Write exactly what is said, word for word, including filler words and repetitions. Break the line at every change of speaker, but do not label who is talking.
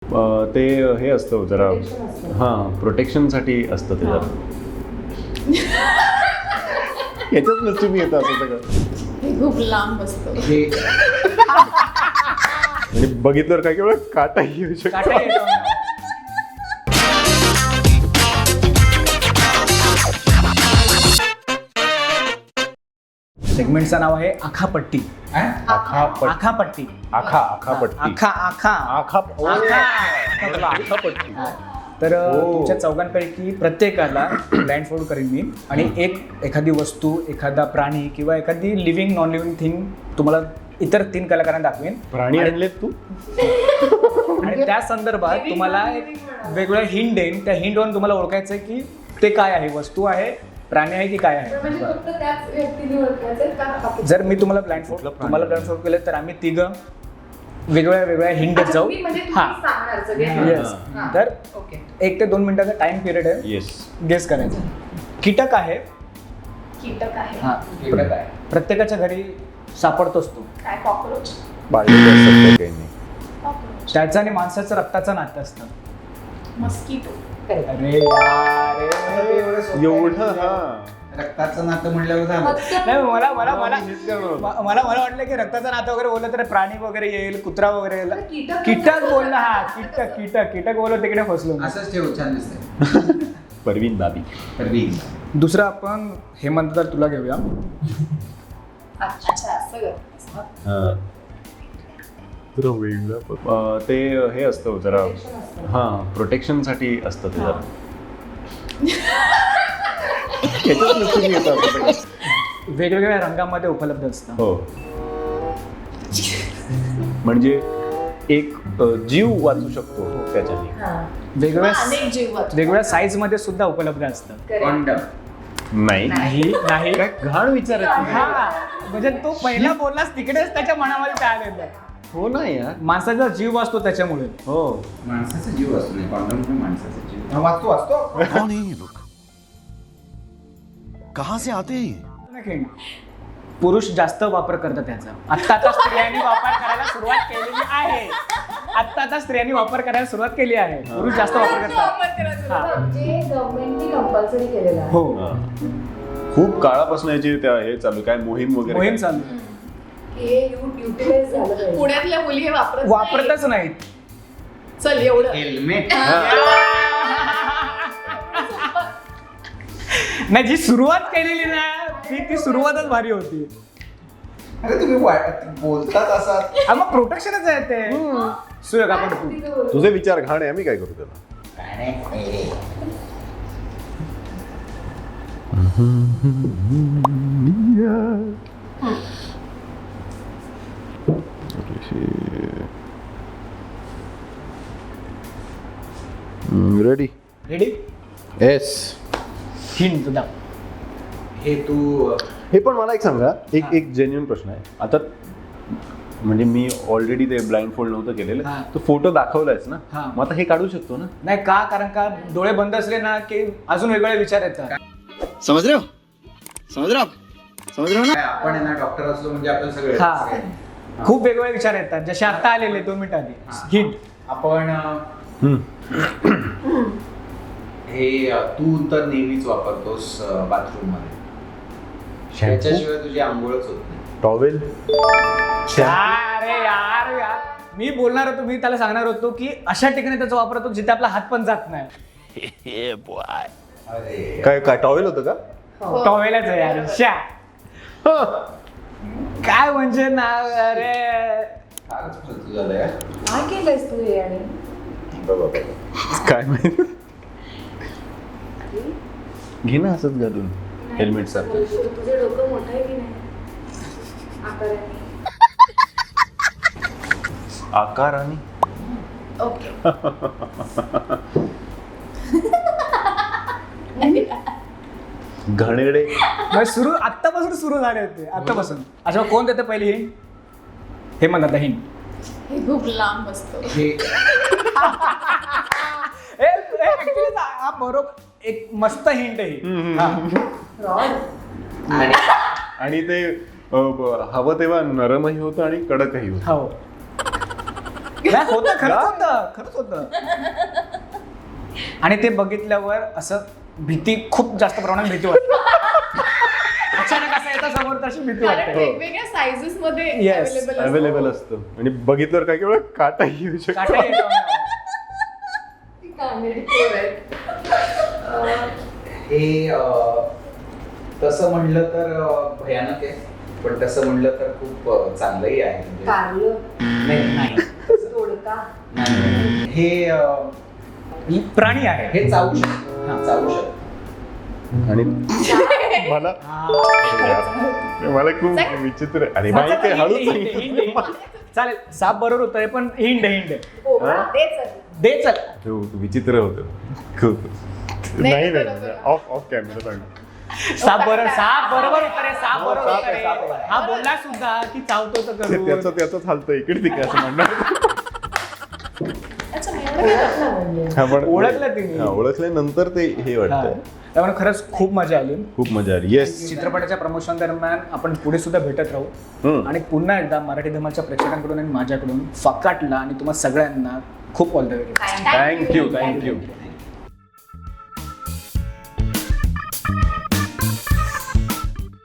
ते हे असतं जरा हां प्रोटेक्शनसाठी असतं ते जरा याच्याच नसतं मी येतं असं सगळं
हे खूप लांब असतं
आणि बघितल्यावर काय केवळ काटा येऊ शकतो.
सेगमेंटचं नाव आहे आखापट्टी.
आखापट्टी
आखापट्टी
आखा आखापट्टी
आखा आखा
आखा
आखा
आखापट्टी.
तर तुमच्या चौघांपैकी प्रत्येकाला ब्लाइंड फोल्ड करीन मी आणि एक एखादी वस्तू एखादा प्राणी किंवा एखादी लिव्हिंग नॉन लिव्हिंग थिंग तुम्हाला इतर तीन कलाकारांना दाखवेन.
प्राणी आणलेत तू
आणि त्या संदर्भात तुम्हाला एक वेगवेगळ्या हिंट देईन. त्या हिंटवरून तुम्हाला ओळखायचं आहे की ते काय आहे, वस्तू आहे, प्राणी आहे की काय आहे. जर मी तुम्हाला ब्लाइंड फोल्ड तुम्हाला ब्लाइंड फोल्ड केलं तर आम्ही तिघं वेगवेगळ्या वेगवेगळ्या हिंट देत जाऊ. हा येस. तर एक ते दोन मिनिटाचा टाइम पिरियड आहे.
येस
गेस करायचं. कीटक आहे.
कीटक आहे.
हा कीटक आहे. प्रत्येकाच्या घरी सापडतोच तो.
काय कॉकरोच?
बाळलेले असतात काही नाही.
कॉकरोच.
त्याचं आणि माणसाचं रक्ताचं नातं असतं.
मस्किटो.
अरे यार
एवढं हा
रक्ताचं नातं म्हणल्यावर झालं.
नाही मला मला मला
हेच करणार होतो.
म- मला मला वाटलं की रक्ताचं नातं वगैरे बोललं तर प्राणी वगैरे येईल, कुत्रा वगैरे येईल.
कीटक-
कीटक बोललं. हा कीटक कीटक कीटक बोललो तिकडे फसलो मी.
असंच ठेव, छान दिसतंय.
परवीन दादी.
परवीन.
दुसरं आपण हेमंत तर तुला घेऊया.
अच्छा असं कर.
जरा वेगळं प- अं, ते हे असतं जरा हां प्रोटेक्शनसाठी असतं ते जरा याच्याच नसतं मी येतं असं सगळं.
वेगवेगळ्या रंगामध्ये उपलब्ध असतं.
हो म्हणजे एक अं, जीव वाचू शकतो त्याच्याने.
वेगवेगळ्या
अनेक जीव वाचतात.
वेगवेगळ्या साईज मध्ये सुद्धा उपलब्ध असतं.
कॉन्डम.
नाही
नाही नाही
काय घाण विचारत नाही.
हा म्हणजे तो पहिला बोललास तिकडेच त्याच्या मनामध्ये ते आलेलं.
हो ना यार.
माणसाचा जीव वाचतो त्याच्यामुळे.
हो
माणसाचा जीव असतो नाही, कॉन्डम म्हणजे माणसाचा जीव. हा, वाचतो वाचतो.
कौन है ये लोग? कहां से आते हैं ये?
नाही, पुरुष जास्त वापर करतात त्याचा. आत्ता आता स्त्रियांनी वापर करायला सुरुवात केलेली आहे. आत्ता आता स्त्रियांनी वापर करायला सुरुवात केली आहे. पुरुष जास्त वापर करतात. हा.
जे गव्हर्नमेंटने कंपल्सरी केलेलं आहे.
हो
हां. खूप काळापासून याची त्या हे चालू काय मोहीम वगैरे
मोहीम
काय?
चालू.
हे युटिलाइज झालं पाहिजे.
पुण्यातल्या मुली हे वापरत
वापरतच नाहीत.
नाही. चल एवढं
हेल्मेट.
नाही जी सुरुवात केलेली ना ती ती सुरुवातच भारी होती.
अरे तुम्ही वा- बोलतात असा.
हा, मग प्रोटेक्शनच आहे ते. सुयोग आपण
तिथं बोलू.
तुझे विचार घाण आहे आम्ही काय करू त्याला. Ready
ready.
येस.
हिंट तुझा.
हे तू
हे पण मला एक सांगा एक एक जेन्युइन प्रश्न आहे. आता म्हणजे मी ऑलरेडी ते ब्लाइंड फोल्ड नव्हतं केलेलं.
हा.
तो फोटो दाखवलायच ना.
हा.
मग आता हे काढू शकतो ना.
नाही का कारण का डोळे बंद असले ना की अजून वेगवेगळे विचार येतात.
समझ रहे हो? समझ रहे हो आप? समझ रहे हो ना?
काय, आपण आहे ना डॉक्टर असलो म्हणजे आपण सगळे
हा.
सगळे.
खूप वेगवेगळे विचार येतात जसे आता आलेले दोन मिनिट आधी. हिंट.
आपण अं,
हम्म.
हे अं, तू तर नेहमीच वापरतोस बाथरूम मध्ये. त्याच्याशिवाय तुझी आंघोळच होत नाही.
टॉवेल.
अरे यार यार मी बोलणार होतो मी त्याला सांगणार होतो की अशा ठिकाणी त्याचा वापर होतो जिथे आपला हात पण जात नाही.
अरे
काय काय टॉवेल होतं का.
टॉवेलच आहे यार. शा काय म्हणजे ना. अरे
फारच फालतू झालं यार.
काय केलंयस तू हे आणि
काय माहिती. घे ना असंच घालून हेल्मेट सारखं.
तुझं डोकं मोठं आहे की नाही आकाराने.
आकार आणि
ओके.
घणेरडे.
मग सुरू आत्तापासून सुरू झाले होते आत्तापासून. अच्छा कोण देतं पहिली हिंट. हे म्हणतात हिंट.
हे खूप लांब असतं.
हे
ऍक्च्युली हा बरोबर एक मस्त हिंट आहे.
रॉड.
आणि ते अ, ब- हवं तेव्हा नरमही होतं आणि कडकही होतं.
हो नाही, होतं खरंच होतं खरंच होतं आणि ते बघितल्यावर असं भीती खूप जास्त प्रमाणात भीती वाटते अचानक असं येतं समोर तशी भीती
कारण
वाटते
वेगवेगळ्या सायझेस मध्ये
Yes,
अवेलेबल
अवेलेबल असतं आणि बघितल्यावर काय केवळ काटाही येऊ शकतो.
काटा येतो अंगावर.
हे अं, तसं म्हणलं तर अं, भयानक आहे पण तसं म्हणलं तर खूप अं, चांगलंही आहे म्हणजे
कारलं
नाही
नाही
दोडका
नाही. हे अं,
ही प्राणी आहे
हे चावू शकतो
हा.
चावू शकतो
आणि मला मला खूप विचित्र अरे बाई काय हळूच
हिंड, हिंड, हिंड, हिंड. चालेल साप बरोबर होतं पण हिंड हिंड
कोबरा
हा?
दे चल.
दे चल
हो, विचित्र होतं खूप
नाही,
नाही
बरोबर.
नाही ऑफ ऑफ कॅमेरा सांग
साप बरोबर साप बरोबर होतं रे साप
हो,
बरोबर
साप
होतं
आहे, साप
रे
आहे.
हा बोलला सुद्धा की चावतो तर
ते त्याचं
करू
त्याचं चालतं इकडे तिकडे असं म्हणणार
अच्छा मग एवढं काय झालं?
हा, पण-
ओळखलं तिने.
हा, ओळखल्यानंतर ते हे
हा.
वाटतं
त्यामुळे खरंच खूप मजा आली
खूप मजा आली येस
चित्रपटाच्या प्रमोशन दरम्यान आपण पुढे सुद्धा भेटत राहू
हम्म.
आणि पुन्हा एकदा मराठी धमालच्या प्रेक्षकांकडून आणि माझ्याकडून फकाटला आणि तुम्हा सगळ्यांना खूप all the way
thank you thank you